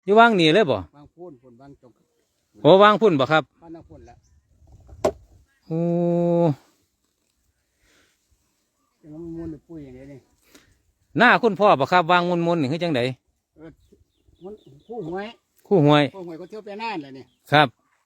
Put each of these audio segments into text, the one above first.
อยู่วางนี่เลยบ่วางพูนวางจงโอ้วางพุ่นบ่ครับบ้านน้ำพูนละโอ้ยังมันมูลหรือปุ้ยอย่างนี้นี่หน้าคุณพ่อบ่ครับวางมุนๆนี่คือจังไดมันคู่หวยคู่หวยคู่หวยก็เที่ยวไปน่านเลยนี่ครับ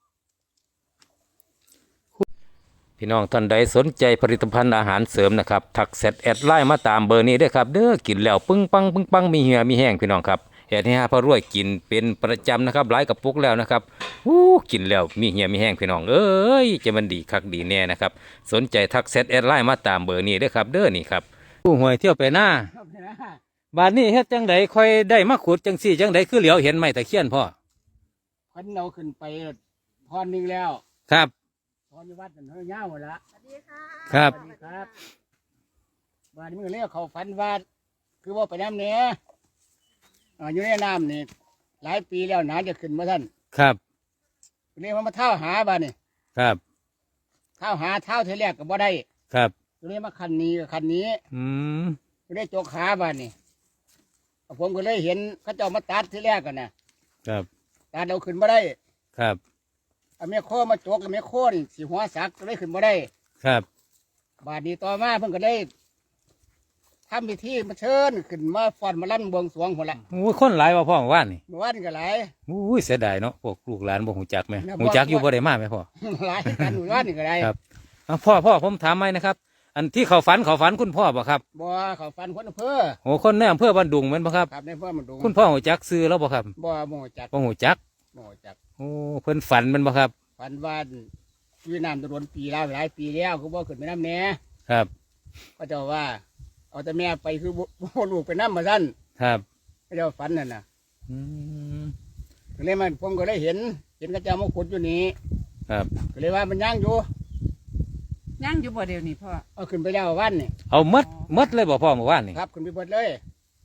พี่น้องท่านใดสนใจผลิตภัณฑ์อาหารเสริมนะครับทักแอดไลน์มาตามเบอร์นี้ด้วยครับเด้อกินแล้วปึ้งปังมีเหี่ยมีแห้งพี่น้องครับเฮ็ดให้พระรวยกินเป็นประจำนะครับหลายกระปุกแล้วนะครับกินแล้วมีเหี่ยมีแห้งพี่น้องเอ้ยจะมันดีคักดีแน่นะครับสนใจทักแอดไลน์มาตามเบอร์นี้ด้วยครับเด้อนี่ครับผู้หวยเที่ยวไปหน้าบาดนี้เฮ็ดจังไดค่อยได้มาขุดจังซี่จังไดคือเหลียวเห็นไม้ตะเคียนพ่อพันเราขึ้นไปพรหนึ่งแล้วครับพรอยู่วัดนั่นเฮ้ยเงาหมดละสวัสดีค่ะครับสวัสดีครับบ้านนี้มึงเรียกเขาฝันว่าคือว่าไปน้ำเนี้ยอยู่ในน้ำนี่หลายปีแล้วน้ำจะขึ้นมาท่านครับเรียกมาเท่าหาบ้านนี่ครับเท่าหาเท่าเทเรียกกับบ่ได้ครับเรียกมาคันนี้กับคันนี้เรียกโจกขาบ้านนี่ผมก็เลยเห็นเขาเจ้ามาตัดที่แรกกันนะครับตัดเราขึ้นมาได้ครับเอาแม่โคมาโจกกับแม่โคนี่สีหัวสักก็เลยขึ้นมาได้ครับบาดนี้ต่อมาเพิ่งก็ได้ทำพิธีมาเชิญขึ้นมาฟ้อนมาลั่นบวงสรวงหมดละคนหลายว่าพ่อว่านนี่เมื่อวานก็หลายเสียดายเนาะพวกลูกหลานบ่หูจักไหมหูจักอยู่บ่ได้มาไหมพ่อหลายกันเมื่อวานก็ได้ครับพ่อผมถามไหมนะครับอันที่เขาฝันคุณพ่อบ่ครับบ่เขาฝันคนอำเภอโอ้คนในอำเภอบ้านดุงแม่นบ่ครับครับในอำเภอบ้านดุงคุณพ่อหูจักซื้อแล้วบ่ครับบ่หูจักโอ้เพิ่นฝันแม่นบ่ครับฝันว่าอยู่น้ำตะโดนปีแล้วหลายปีแล้วคือบ่ขึ้นไปน้ำแน่ครับก็เจ้าว่าเอาแต่แม่ไปคือบ่ลูกไปน้ำมาสั้นครับก็เจ้าฝันนั่นน่ะก็เลยมันผมก็เลยเห็นก็เจ้ามาขุดอยู่นี่ครับก็เลยว่ามันย่างอยู่บ่เดียวนี่พ่อเอาขึ้นไปแล้ววันนี่เอามัดเลยบ่พ่อเมื่อวานนี่ครับขึ้นไปเบิดเลย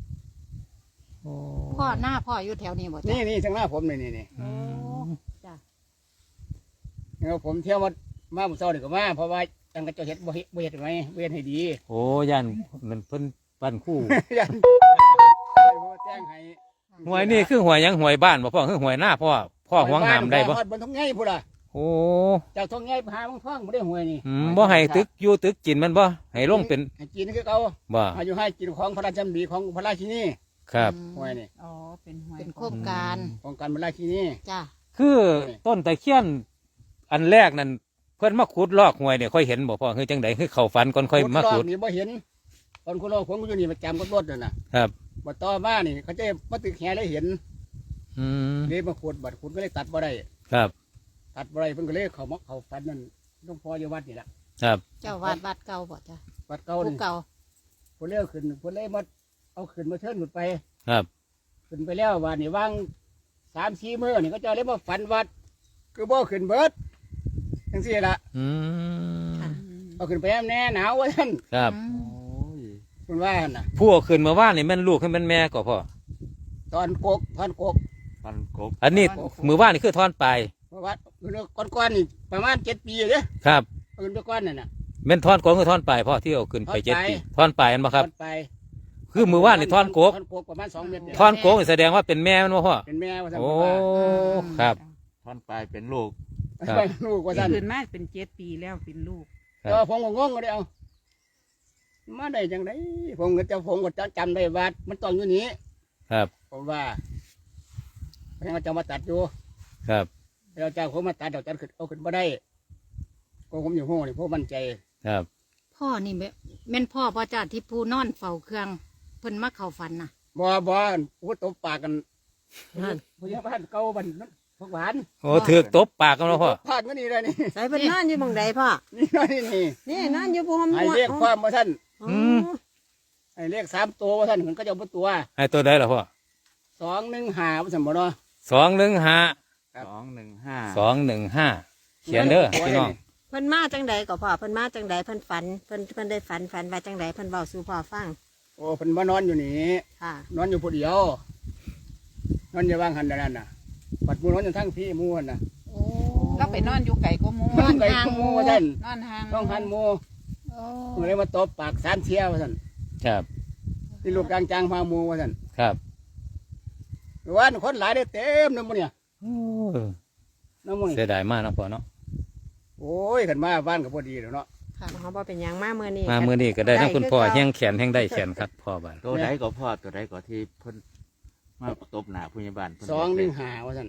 พ่อหน้าพ่ออยู่แถวนี้บ่นี่ทางหน้าผมนี่จ้ะแล้วผมเที่ยวมาบุษรานี่ก็มาเพราะว่าจังกระเจ้าเห็ดบ่เห็ดไหมเวียนให้ดีโอ้ยันมันเพิ่นปั้นคู่ยันแจ้งให้หวยนี่คือหวยยังหวยบ้านบ่พ่อคือหวยหน้าพ่อหวงหามได้บ่บนท้องไงพูดล่ะโอ้จากท้องไงหาบางท้องไม่ได้หวยนี่บ่ให้ตึกอยู่ตึกกินมันบ่ให้ลงเป็นให้กินคือเขาบ่อยู่ให้กินของพระราชบัญญัติของพระราชินีครับหวยนี่อ๋อเป็นโครงการของการพระราชินีจ้ะคือต้นตะเคียนอันแรกนั่นเพิ่นมาขุดลอกหวยเนี่ยค่อยเห็นบ่พ่อคือจังไดคือเข้าฝันก่อนค่อยมาขุดนี่บ่เห็นตอนคุณลอกผมอยู่นี่ประจำก็รถน่ะครับบัดต่อมานี่เขาจะมาตึกแห่เลยเห็นเลยมาขุดบัดขุดก็เลยตัดบ่ได้ครับตัดบ่ได้เพิ่นก็เลยเขาฝันนั่นต้องพออยู่วัดนี่แหละครับเจ้าวัดเก่าบ่จ้ะวัดเก่านี่เก่าเพิ่นเลี้ยวขึ้นเพิ่นเลยมาเอาขึ้นมาเชิญขึ้นไปครับขึ้นไปแล้ววันนี้วาง3-4 มื้อนี่ก็จะเลยมาฝันวัดคือบ่ขึ้นเบิดจังซี่ล่ะเอาขึ้นไปแน่หนาวว่าท่านครับคุณว่าน่ะผู้ขึ้นมาว่านี่แม่นลูกให้แม่นแม่ก็พ่อตอนกกอันนี้มือว่านี่คือทอนปลายวัดก้อนนี่ประมาณ7 ปีเลยครับขึ้นไปก้อนนั่นน่ะแม่นทอนโกงคือทอนปลายพ่อที่เอาขึ้นไป7 ปีทอนปลายอันบ่ครับคือมือว่านี่ทอนโกกประมาณ2 เมตรทอนโกกแสดงว่าเป็นแม่มันบ่พ่อเป็นแม่ว่าท่านโอ้ครับทอนปลายเป็นลูกลูกว่าท่านขึ้นมาเป็น7 ปีแล้วเป็นลูกก็ผมก็งงก็ได้เอามาได้จังไดผมก็จำได้ว่ามันต้องอยู่นี้ครับผมว่าพนักงานจะมาตัดอยู่ครับเราจ้างผมมาตัดเดี๋ยวจัดเอาขึ้นมาได้ก็ผมอยู่ห้องนี่พวกมั่นใจครับพ่อนี่แม่นพ่อจ้าที่ผู้นอนเฝ้าเครื่องเพิ่นมาเข้าฝันน่ะบ่โอ้ตบปากกันผู้ใหญ่บ้านเก่าบ้านพวกหวานโอ้ถือตบปากกันแล้วพ่อพลาดก็นี่เลยนี่ใส่เพิ่นนั่นอยู่บังใดพ่อนี่นั่นอยู่บ่ฮอมให้เรียกความว่าท่านให้เรียก3 ตัวว่าท่านมันก็จะเอาตัวให้ตัวใดล่ะพ่อ 215ว่าซั่นบ่เนาะ 215เขียนเด้อพี่น้องเพิ่นมาจังใดก็พ่อเพิ่นมาจังใดเพิ่นฝันเพิ่นได้ฝันว่าจังใดเพิ่นเว้าสู่พ่อฟังโอ้เพิ่นมานอนอยู่นี่นอนอยู่ผู้เดียวนอนอยู่ว่างหันนั่นน่ะปัดมูนอนอยู่ทั้งพี่มูนน่ะก็ไปนอนอยู่ไก่ก็มูนอนไก่ก็มูว่าท่านนอนห่างต้องหันมูเลยมาตบปาก3 เที่ยวว่าท่านครับที่ลูกกลางจางพามูว่าท่านครับวันคนหลายได้เต็มน้ำมันเนี่ยโอ้ยน้ำมันนี่เสียดายมากเนาะพ่อเนาะโอ้ยขันมาบ้านกับพอดีแล้วเนาะค่ะเขาบอกเป็นหยังมาเมื่อนี้มามื้อนี้ก็ได้ทั้งคุณพ่อได้คือเก่าแห้งแขนแห้งได้แขนครับพ่อบ้านตัวใดก็พ่อตัวใดก็ที่เพิ่นมาตบหน้าผู้ใหญ่บ้านเพิ่น 215ว่าซั่น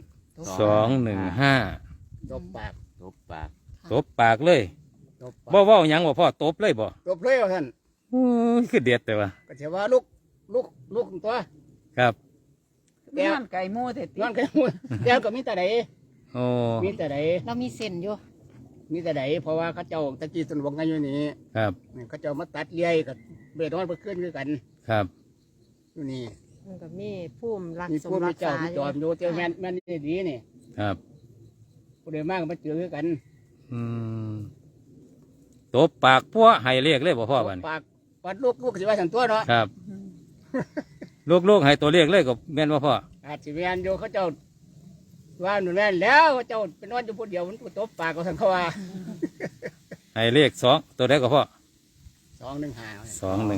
215 ตบปากตบปากตบปากเลยตบปากบ่เว้าหยังบ่พ่อตบเลยบ่ตบเลยว่าซั่นโอ้ยคือเด็ดแต่ว่าก็สิว่าลูกตัวครับแก้วนอนไก่หมูเถิดตินอนกันหมดแก้วก็มีแต่ใดโอ้มีแต่ใดเรามีเส้นอยู่มีแต่ใดเพราะว่าเขาเจ้าตะกี้ต้นวงกันอยู่นี่ครับนี่เขาเจ้ามาตัดเลี้ยยกับเบ็ดนอนไปขึ้นคือกันครับอยู่นี่มันก็มีภูมิรักมีสมผู้รัมีกเจ้าษามีอจยู่อมอยู่เจ้าแม่นนี่ดีนี่ครับผู้ใดมากก็มาเจอคือกันอืมตบปากพัวให้เรียกเลยบ่พ่อบ้านปากปัดลูกก็สิว่าสันตัวเนาะครับ ลูกๆให้ตัวเรียกเลยก็แม่นบ่พ่ออาจสิแม่นอยู่เขาเจ้าว่าหนุนแม่นแล้วเขาเจ้าเป็นนอนอยู่ผู้เดียวมันก็ตบปากก็สันเขาว่าให้เรียก2ตัวได้ก็พ่อ 215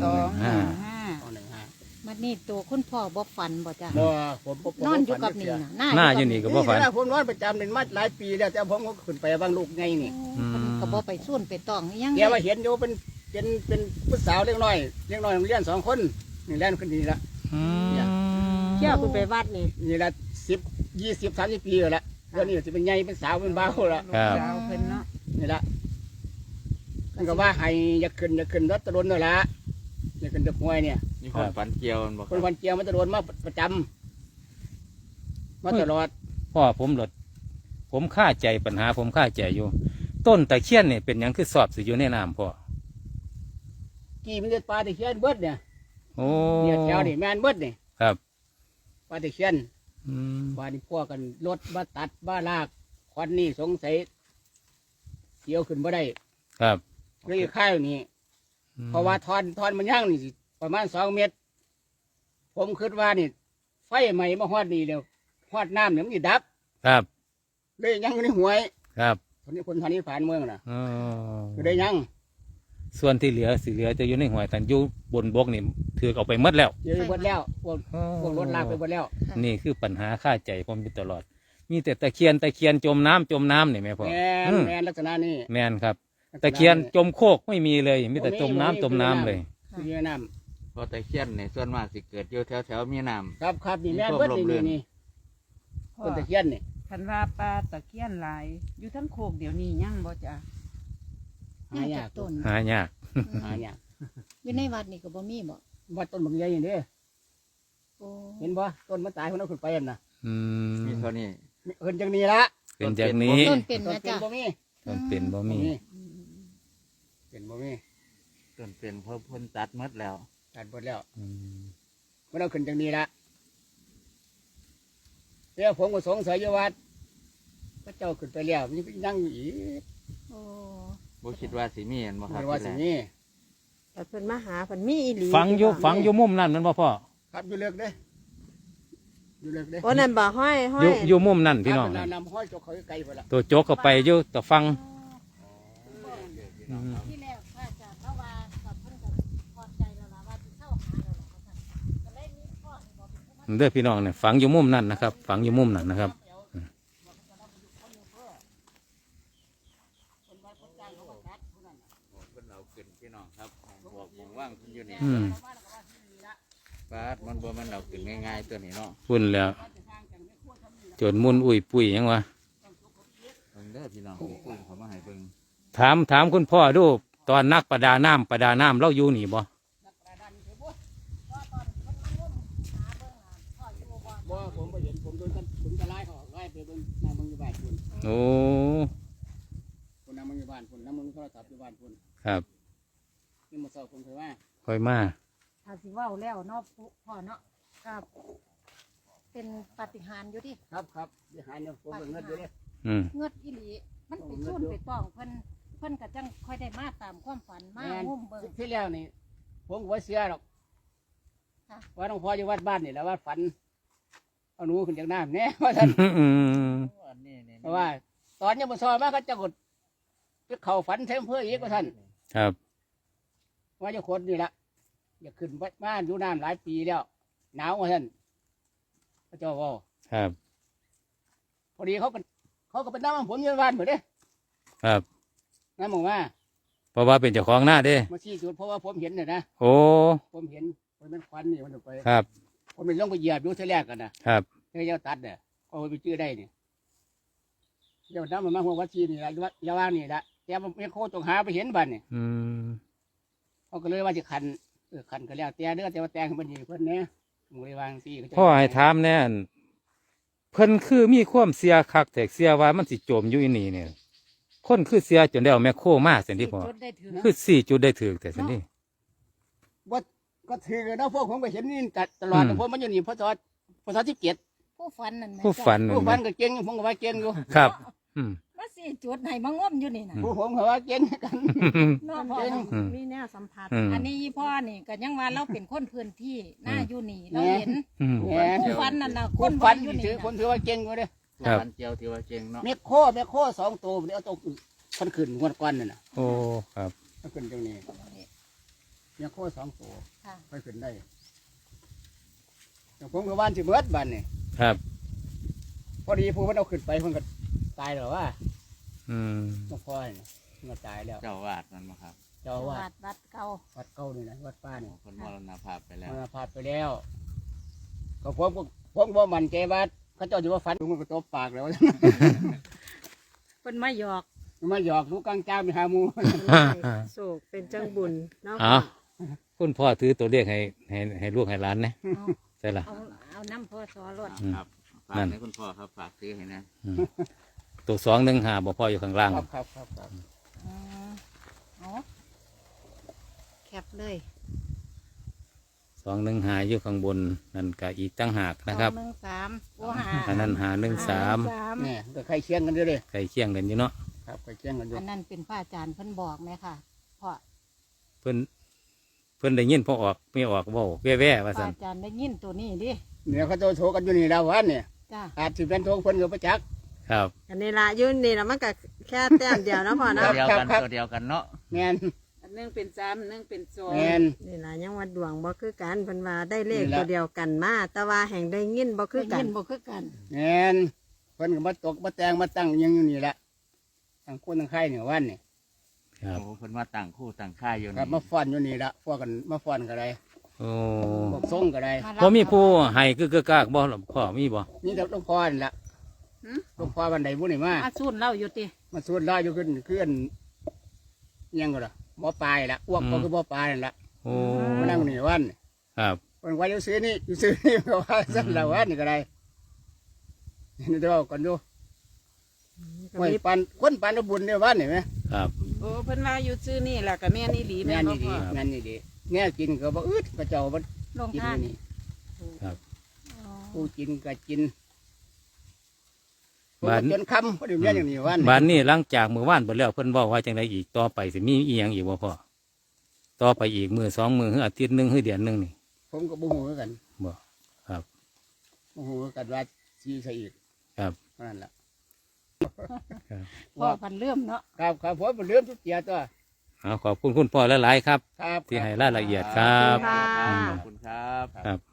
215 มันนี่ตัวคุณพ่อบ่ฝันบ่จ้ะบ่ผมนอนอยู่กับนี่นะหน้าอยู่นี่ก็บ่ฝันนี่ผมนอนประจำนี่มาหลายปีแล้วแต่ผมก็ขึ้นไปบางลูกไงนี่อืมเพิ่นก็บ่ไปส่วนไปตองอิหยังแกมาเห็นอยู่เป็นผู้สาวเล็กน้อยโรงเรียน2 คนนี่แล่นขึ้นนี่ละอืมเที่ยวคุณไปวัดนี่นี่ละ10 20 30 ปีแล้วละเดี๋ยวนี้จะเป็นใหญ่เป็นสาวเป็นบ่าวละครับสาวเพิ่นเนาะนี่ละมันก็ว่าให้อยากขึ้นรถตะลนนั่นละอยากขึ้นตะพวยเนี่ยมีคนฝันเกี่ยวมันบ่คนวันเกียวมันตะลนมาประจำมาตลอดพ่อผมหลดผมค่าใจปัญหาผมค่าใจอยู่ ต้นตะเคียนนี่เป็นหยังคือสอบสิอยู่ในน้ำพ่อกี่มันจะปลาตะเคียนเบิดเนี่ยโอ้เนี่ยแถวนี่แมนเบิดนี่ครับปลาตะเคียนอืมปลาที่พวกกันรถมาตัดบ้าลากควันนี่สงสัยเกี่ยวขึ้นบ่ได้ครับเลยข้าวนี่เพราะว่าทอนมันย่างนี่สิประมาณ2 เมตร ผมคิดว่านี่ ไฟใหม่มาฮอดนี่เดียวฮอดน้ำเนี่ยมันจะดับครับเลยยังอยู่ในหวยครับคนทางนี้ผ่านเมืองน่ะอ๋อก็ได้ยังส่วนที่เหลือสิเหลือจะอยู่ในหวยแต่อยู่บนบกนี่ถือเอาไปหมดแล้วเจอหมดแล้วพวกรถลากไปหมดแล้วนี่คือปัญหาค่าใจผมอยู่ตลอด มีแต่ตะเคียนจมน้ำนี่แม่พ่อแมนอืมแมนลักษณะนี้แม่นครับ ตะเคียนจมโคกไม่มีเลย มีแต่จมน้ำเลยคือเรือน้เพราะตะเคียนนี่ส่วนมากสิเกิดอยู่แถวมีน้ำครับนี่แม่นเบิดนี่พ่อต้นตะเคียนนี่คันว่าปลาตะเคียนหลาย อยู่ทั้งโคกเดี๋ยวนี้ยังบ่จ้ะหายากต้นหายากหายากอยู่ในวัดนี่ก็บ่มีบ่ว่าต้นบางใหญ่อย่างนี้โอ้เห็นบ่ต้นมันตายคนเอาขึ้นไปนั่นน่ะอืำมีมเท่านี้เอินจังนี้ละเป็นจากนี้ต้นเป็นต้นนะเป็นจ้ะบ่มีต้นเป็นบ่มีเป็นบ่มีต้นเป็นเพราะเพิ่นตัดหมดแล้วตัดหมดแล้วอืมมันเอาขึ้นจังนี้ละเดี๋ยวผมก็สงสัยอยู่ว่าพระเจ้าขึ้นไปแล้วมันยังอยู่อีกโอ้บ่คิดว่าสิมีอันบ่ครับไม่ว่าสิที่แรกมีแต่เพิ่นมาหาเพิ่นมีอีหลีฝังอยู่มุมนั่นมันบ่พ่อครับอยู่เลิกเด้อยู่เลิกเด้โอ้นั่นบ่ห้อยอยู่มุมนั่นพี่น้องคนั่รับนนำห้อยจกเขาไกลไปละตัวโจกเข้าไปอยู่ตัวฟังอืมที่แรกพระอาจารย์เขาว่ากับเพิ่นก็พอใจแล้วล่ะว่าสิเข้าหาแล้วล่ะว่าซั่นก็เลยมีพ่อนี่บ่เป็นผู้มาเด้อพี่น้องเนี่ยฝังอยู่มุมนั่นนะครับ ฝังอยู่มุมนั่นนะครับเพิ่นเอาขึ้นพี่น้องครับบอกผมว่างเพิ่นอยู่นี่อืมปาดมันบ่แมันเอาขึ้นง่ายๆตัวนี้เนาะพุ่นแล้ว จนมุนอุ้ยปุ้ยยังวะเบิ่งเด้อพี่น้องนี่ปุ้ยเขามาให้เบิ่งถามคุณพ่อดูตอนนักประดาน้ำเราอยู่นี่บ่บ่ผมไปเห็นผมโดนกันผมจะไล่เขาไล่ไปเบิ่งนางมึงอยู่บ้านคุณโอ้คุณนางมึงอยู่บ้านคุณนางมึงโทรศัพท์อยู่บ้านคุณครับนี่มาสอบผมเคยว่าค่อยมาถ้าสิเว้าแล้วเนาะพ่อเนาะครับเป็นปาฏิหาริย์อยู่ดิครับเดี๋ยวหายเนี่ยผมเบิ่งเงินอยู่เด้อืมเงือดอีหลีมันไปส่วนไปตองเพิ่นก็จังค่อยได้มาตามความฝันมาแม่นงุ่มเบิ่งที่แล้วนี่ผมก็บ่เสียหรอกค่ะว่าหลวงพ่ออยู่วัดบ้านนี่แหล้วว่าฝันเอาหนูขึ้นจากน้ำเนี่ยว่าท่านอืมอันนี้นี่เพราะว่า ตอนยังมาซอยมาเขาจะกดไปเข่าฝันเทมเพื่ออีกว่าท่านครับว่าจะคนนี่ละอยากขึ้นวัดบ้านอยู่น้ำหลายปีแล้วหนาวว่าท่านเขาเจ้าเว่าครับพอดีเขาก็เป็นน้ำมันผมอยืนวันเหมือนเด้ครับน้ำหมองมาเพราะว่าเป็นเจ้าของหน้าเด้มาชี้จุดเพราะว่าผมเห็นเนี่ยนะโอ้ผมเห็นมันเป็นควันนี่มันออกไปครับผมเป็นลงไปเหยียบอยู่เท่าแรกกันนะครับ เท่าเจ้าตัดเนี่ยเขาไปชื่อได้เนี่ยเจ้าน้ำมันมาหัววัดชีนี่ละยาว่างนี่ละแต่มันไม่โคตรต้องหาไปเห็นบันเนี่ยอืมเขาก็เลยว่าจะคันคันก็แล้วแต่เด้อแต่ว่าแต่งมันอยู่เพิ่นเนี่ยผมเลยวางที่พ่อให้ถามแน่นเพิ่นคือมีความเสียคักแต่เสียว่ามันสิจมอยู่อีนี่เนี่ยคนคือเสียจนได้เอาแมคโครมาเสิที่พ่อจุดได้ถือคือ4 จุดได้ถึกแต่สินี่ว่าก็ถือนะพวกผมก็เห็นนี่ตลอดแต่ผมมันอยู่นี่พศ17 ผู้ฝันนั่นแหละผู้ฝันนั่ผู้นพันะนก็เก่งผมก็ว่าเก่งอยู่ครับ อืมมาสี่จุดให้มางมอยู่นี่นะผู้ผมก็ว่าเก่งกันเนาะพ่อเนาะอืมมีแนวสัมผัสอืมอันนี้อีพ่อนี่ก็ยังว่าเราเป็นคนพื้นที่หน้าอยู่นี่เราเห็นอืมแหมผู้ฝันนั่นน่ะคคนนฟันอยู่ถืนี่อคนถือว่าเก่งอยู่เด้ครับฟันเจียวที่ว่าเก่งเนาะแม่โค2ตัวเดี๋ยวเอาตัวคนขึ้นงวดก้อนนั่นน่ะโอ้ครับเอาขึ้นตรงนี้แม่โค2ตัวค่ะไปขึ้นได้แต่ผมก็ว่านสิเบิดบ้านนี่ครับพอดีผู้มันเอาขึ้นไปเพิ่นก็ตายแล้วว่าอืมหลวงพ่อนี่เพิ่นก็ตายแล้วเจ้าวาดมันมาครับเจ้าอาว่าวัดเก่าวัดเก่านี่นะวัดป้านี่คนมรณภาพไปแล้วมันพาดไปแล้วก็ผมว่ามันใจว่าเขาเจ้าจะว่าฟันมันก็ตบปากแล้วเพิ่นมาหยอกมาหยอกลูกกลางจ้าไปหาหมูโศกเป็นจังบุญเนาะเอาคุณพ่อถือตัวเลขให้ลูกให้หลานนะใช่ล่ะเอาน้ำพ่อสอรถอืมครับฝากนั่นให้คุณพ่อครับฝากซื้อให้นะอืมตัว215บ่พ่ออยู่ข้างล่างครับอืมเอาแคปเลย 215อยู่ข้างบนนั่นก็อีกตั้งหากนะครับ 213โอ้หาอันนั้น513 เนี่ยก็ใครเคียงกันด้วยเลยใกล้เคียงกันอยู่เนาะครับใครเคียงกันด้วอัยนนั้นเป็นพระอาจารย์เพิ่นบอกไหมค่ะพ่อเพิ่นได้ยินพอออกไม่ออกเว้าแว่ๆพว่าระซั่นอาจารย์ได้ยินตัวนี้ดิเนี่ยเขาโทรกันอยู่นี่ดาววันเนี่ยจ้าอาจสิเป็นโทรคนกับประจักษ์ครับอันนี้ละอยุ่นนี่ละมันก็แค่แต้มเดียวเนาะพ่อครัเนาะบเดียวกันตัวเดียวกันเนาะแมนอันหนึงเป็น3อันหนึงเป็นแมนนี่ละยังว่าดวงบ่คือกันเพิ่นว่าได้เลขนี่ล่ะตัวเดียวกันมาแต่ว่าแห่งได้ยินบ่คือได้กัยินนบ่คือกันแมนเพิ่นก็มาตกมาแต่งมาตั้งยังอยู่นี่แหละตั้งคนตั้งไข่เนี่ยวันนี่ครับโอ้เพิ่นมาต่างคู่ต่างค่ายอยู่ครับนี่มาฟ้อนอยู่นี่ละพวกกันมาฟ้อนก็ได้โอ้พวกส่งก็ได้บ่มีผู้ให้คือกากบ่ล่ะพ่อมีบ่นี่แต่หลวงพ่อนี่ละหลวงพ่อบันไดบุญนี่มามาสูนเล่าอยู่ติมาสวดล่าอยู่ขึ้นยังก็ละหมอปลายละอ้วกก็คือหมอปลายนั่นละโอ้มานั่งนี่วันครับวันว่าอยู่ซื้อนี่อยู่ซื้อนี่ก็ว่าสั่นละวันนี่ก็ได้นี่เดี๋ยวก่อนดูก็ไว้มีปันคนปันเอาบุญเนี่ยวันนี่ไหมครับโอ้เพิ่นว่าอยู่ชื่อนี่แหละก็แม่นอีหลีงาแม่นนบ่นี่ดีพ่องานนี่ดีเนี่ยกินก็บ่อึดก็เจ้าบ่ลงกินทานนี่อ๋อผู้กินก็กินจนค่ำพอดีเนี่ยอย่างนี้วันบ้านนี้หลังจากมื้อวานเบิดแล้วเพิ่นเว้าว่าจังไดอีกต่อไปสิมีอีหยังอีกบ่พ่อต่อไปอีกมื้อ2มื้อหรืออาทิตย์หนึงหรือเดือนหนึงนี่ผมก็บ่ฮู้คือกันบ่ครับบ่ฮู้คือกันว่าสิใส่อีกครับนั่นล่ะพ่อพันเริ่มเนาะครับผมบ่ลืมทุกเกียรตัวเอาขอบคุณคุณพ่อหลายๆครับครับที่ให้รายละเอียดครับค่ะขอบคุณครับครับ